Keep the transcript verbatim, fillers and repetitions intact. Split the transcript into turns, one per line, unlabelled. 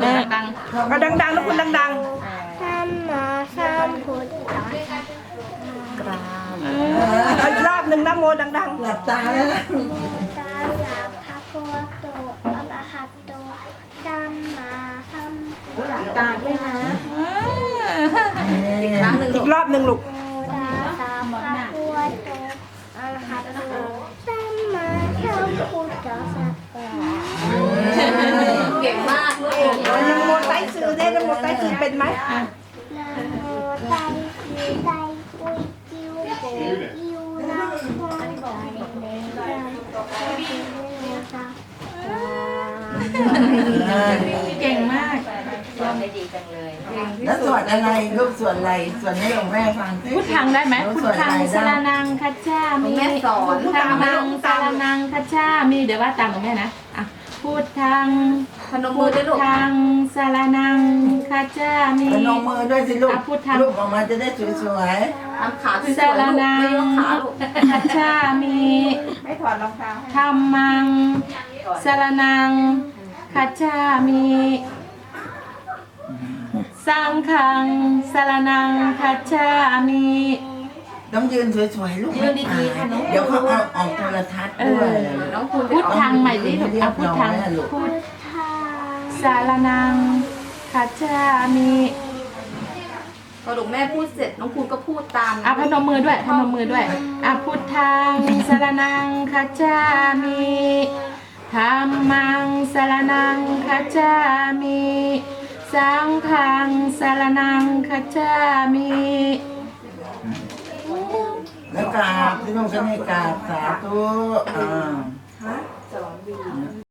ม่
ดัง
ก็ดังๆนะคุณดัง
สัมมาสัมพุทธัสสะ
กราบ
ๆเอาอีกรอบหนึ่งนะโมดัง
หลับตาแล้วนะ
ตาลาภะคะวะโตอะระหะโตสัมมาสัมพุทธัสสะ
ตาด้วยนะอีกครั้งหนึ่ง
ๆอีกรอบหนึ่งลูก
โมตัสสะภะคะวะโตอะระหะโตสัมมาสัมพุทธัสสะ
เก่งมากลูก
ยังโมไตซื้อได้นะโมไตซื้อเป็นไหม
นะโมไตสีไตปุยจิวโบอิวนะโมไตเนรังโอติเนสะ
เก่งมาก
แล้วสวดอะไรลูกสวดอะไรสวดให้หลวงแม่ฟังสิ
พุทธังได้ไหม
หนู
พุ
ส
ท
วดอะ
ธัง
ไร
สาร
ได้
นังคัจฉามิ
แม่สอน
พุทธังสารนังคัจฉามิเดี๋ยวว่าตามหลวงแม่นะอ่ะพุทธัง
พนมมื
พุ
อ
ท
ด้วยลูก
ธังสารนังคัจฉามิ
พนมมือด้วยสิลูก
อ่ะพุทธัง
ลูกออกมาจะได้สวย
ทำขาสวย
สาร
ๆลูก
นั
ไม่
ง
ยกขาลูก
คัจฉามิ
ไม่ถอดรองเท้าให้
ธัมมังสารนังคัจฉามิสังฆังสารนังคัจฉามิ
ๆต้องยืนสวยๆลูก
ยืนดีๆค่ะน้อง
เดี๋ยวเขาเอาออกโทรทัศน์ด้วย
น้องคุณ
พุทธังใหม่สิลูกอ่ะพุทธังพุท
ทา
สารนังคัจฉามิ
พอลูกแม่พูดเสร็จน้องคุณก็พูดตาม
อ่ะพนมมือด้วยพนมมือด้วยอ่ะพุทธังสารนังคัจฉามิธัมมังสารนังคัจฉามิสังฆังสารนังคัจฉามิ
แล้วกราบที่ต้องใช้กราบสาธุอ่า